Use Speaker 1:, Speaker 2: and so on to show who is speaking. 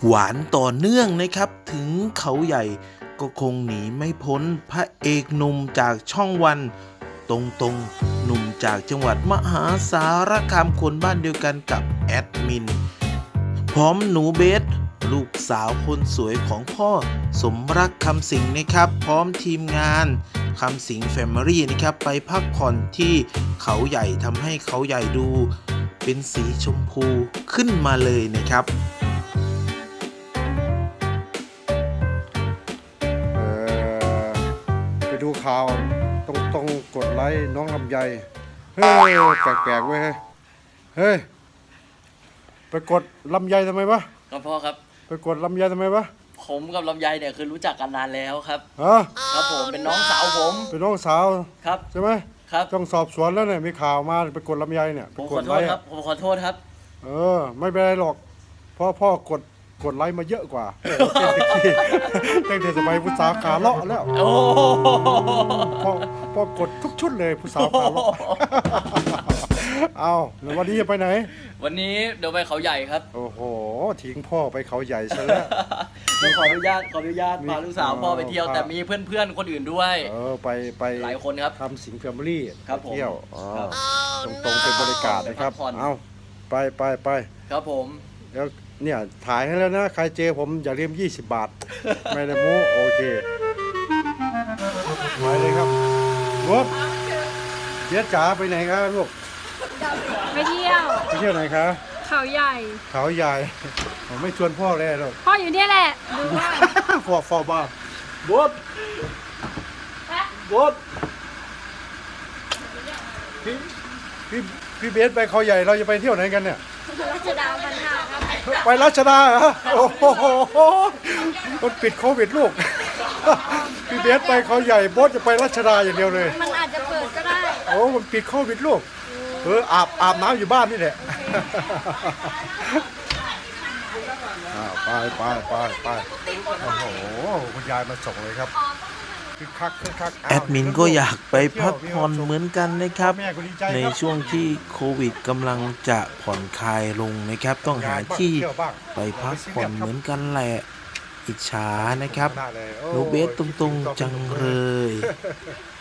Speaker 1: หวานต่อเนื่องนะครับถึงเขาใหญ่ก็คงหนีไม่พ้นพระเอกหนุ่มจากช่องวันตรงหนุ่มจากจังหวัดมหาสารคามคนบ้านเดียวกันกับแอดมินพร้อมหนูเบสลูกสาวคนสวยของพ่อสมรักคำสิงห์นะครับพร้อมทีมงานคำสิงห์แฟมิลี่นะครับไปพักผ่อนที่เขาใหญ่ทำให้เขาใหญ่ดูเป็นสีชมพูขึ้นมาเลยนะครับ
Speaker 2: ไปดูข่าวต้องกดไลค์น้องลำไยเฮ้ยแปลกๆเว้ยเฮ้ยไปกดลำไยทำไมวะ
Speaker 3: ครับพ่อครับ
Speaker 2: ไปกดลำไยทำไมวะ
Speaker 3: ผมกับลำไยเนี่ยคือรู้จักกันนานแล้วครับ
Speaker 2: ฮะ
Speaker 3: ครับผมเป็นน้องสาวผม
Speaker 2: เป็นน้องสาว
Speaker 3: ครับ
Speaker 2: ใช่ไหม
Speaker 3: ครับ
Speaker 2: ต้องสอบสวนแล้วเนี่ยมีข่าวมาไปกดลำไยเนี่ย
Speaker 3: ผมขอโทษครับผมขอโทษครับ
Speaker 2: ไม่เป็นไรหรอกเพราะพ่อกดไลค์มาเยอะกว่าตั้งแต่สมัยผู้สาวขาเลาะแล้ว
Speaker 3: โอ้
Speaker 2: พ่อกดทุกชุดเลยผู้สาวขาเลาะเอาแล้ววันนี้จะไปไหน
Speaker 3: วันนี้เดี๋ยวไปเขาใหญ่ครับ
Speaker 2: โอ้โหทิ้งพ่อไปเขาใหญ่ซะแล้ว
Speaker 3: ต้องขออนุญาตพาลูกสาวพ่อไปเที่ยวแต่มีเพื่อนคนอื่นด้วย
Speaker 2: ไป
Speaker 3: หลายคนครับ
Speaker 2: ทำสิงห์แฟมิลี่เที่ยวตรงเป็นบริการนะครับเอาไป
Speaker 3: ครับผม
Speaker 2: แล้วเนี่ยถ่ายให้แล้วนะใครเจอผมอย่าลืม20 บาทไม่ได้โม้โอเคไปเลยครับรถเจ๊จ๋าไปไหนครับลูก
Speaker 4: ไปเที่ยว
Speaker 2: ไหนคะ
Speaker 4: เขาใหญ่
Speaker 2: ผมไม่ชวนพ่อเลยหรอก
Speaker 4: พ่ออยู่เนี่ยแหละดูว่า
Speaker 2: ฟอบ้าบดพี่เบสไปเขาใหญ่เราจะไปเที่ยวไหนกันเนี่ย
Speaker 4: รัชดาพันห้าครับ
Speaker 2: ไปรัชดาเหรอโอ้โหมันปิดโควิดลูกพี่เบสไปเขาใหญ่บดจะไปรัชดาอย่างเดียวเลย
Speaker 4: มันอาจจะเปิดก็ได้
Speaker 2: โอ้มันปิดโควิดลูกอาบน้ำอยู่บ้านนี่แหละไปโอ้โหคุณยายมาส่งเลยครับคือคัก
Speaker 1: แอดมินก็อยากไปพักผ่อนเหมือนกันนะครับในช่วงที่โควิดกำลังจะผ่อนคลายลงนะครับต้องหาที่ไปพักผ่อนเหมือนกันแหละอิจฉานะครับลูกเบสตรงๆจังเลย